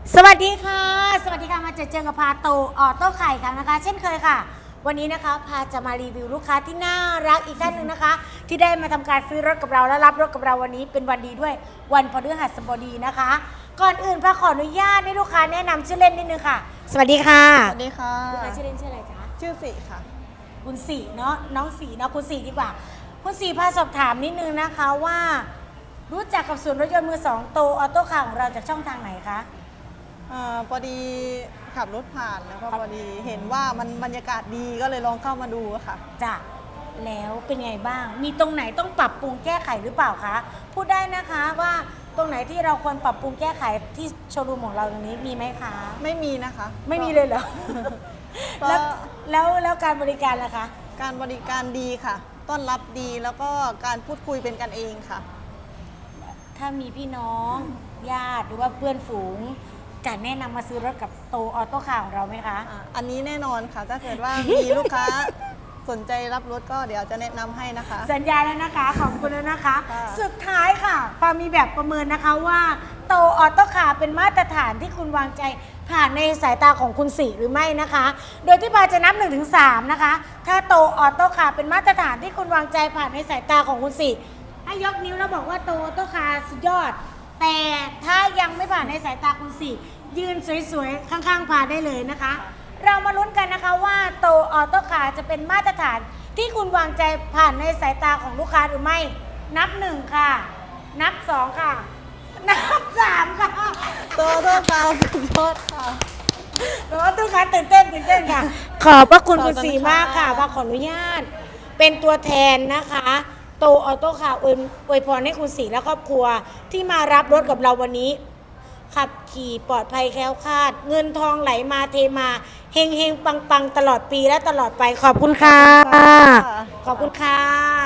สวัสดีค่ะสวัสดีค่ะมาเจอกับพาโตออโต้ไข่ค่ะนะคะ เช่นเคยค่ะ วันนี้นะคะพาจะมารีวิวลูกค้าที่น่ารักอีกท่านหนึ่งนะคะ ที่ได้มาทำการซื้อรถกับเราและรับรถกับเราวันนี้เป็นวันดีด้วยวันพฤหัสบดีนะคะ ก่อนอื่นพาขออนุญาตให้ลูกค้าแนะนำชื่อเล่นนิดนึงค่ะ สวัสดีค่ะสวัสดีค่ะลูกค้าชื่อเล่นชื่ออะไรจ๊ะชื่อสิค่ะคุณสีเนาะน้องสีเนาะคุณสีดีกว่าคุณสีพาสอบถามนิดนึงนะคะว่า รู้จักกับศูนย์รถยนต์มือสองโตออโต้คาร์ของเราจากช่องทางไหนคะพอดีขับรถผ่านแล้วก็พอดีเห็นว่ามันบรรยากาศดีก็เลยลองเข้ามาดูค่ะจ้ะแล้วเป็นไงบ้าง มีตรงไหนต้องปรับปรุงแก้ไขหรือเปล่าคะ พูดได้นะคะว่าตรงไหนที่เราควรปรับปรุงแก้ไขที่โชว์รูมของเราตรงนี้มีไหมคะไม่มีนะคะไม่มีเลยเหรอก็แล้วการบริการล่ะคะการบริการดีค่ะ ต้อนรับดีแล้วก็การพูดคุยเป็นกันเองค่ะถ้ามีพี่น้องญาติหรือว่าเพื่อนฝูงจะแนะนำมาซื้อรถกับโตออโต้คาร์ของเราไหมคะอันนี้แน่นอนค่ะ ถ้าเกิดว่ามีลูกค้าสนใจรับรถก็เดี๋ยวจะแนะนำให้นะคะสัญญาแล้วนะคะ ขอบคุณแล้วนะคะค่ะสุดท้ายค่ะปามีแบบประเมินนะคะว่าโตออโต้คาร์เป็นมาตรฐานที่คุณวางใจผ่านในสายตาของคุณสีหรือไม่นะคะ โดยที่ปาจะนับ 1-3 นะคะ ถ้าโตออโต้คาร์เป็นมาตรฐานที่คุณวางใจผ่านในสายตาของคุณสีให้ยกนิ้วแล้วบอกว่าโตออโต้คาร์สุดยอด แต่ถ้ายังไม่ผ่านในสายตาคุณสียืนสวยๆ ข้างๆพาได้เลยนะคะ เรามาลุ้นกันนะคะว่าโตออโต้คาร์จะเป็นมาตรฐานที่คุณวางใจผ่านในสายตาของลูกค้าหรือไม่ นับ 1 ค่ะ นับ 2 ค่ะ นับ 3 ค่ะตัวโทษค่ะสุดยอดค่ะโตออโต้คาร์ตื่นเต้นค่ะ ขอบพระคุณคุณขอบคุณสีมากค่ะค่ะพาขออนุญาต เป็นตัวแทนนะคะโตออโต้คาร์อวยพรให้คุณสีและครอบครัวที่มารับรถกับเราวันนี้ ขับขี่ปลอดภัยแคล้วคลาด เงินทองไหลมาเทมาเฮงเฮงปังปังตลอดปีและตลอดไปขอบคุณค่ะ ขอบคุณค่ะ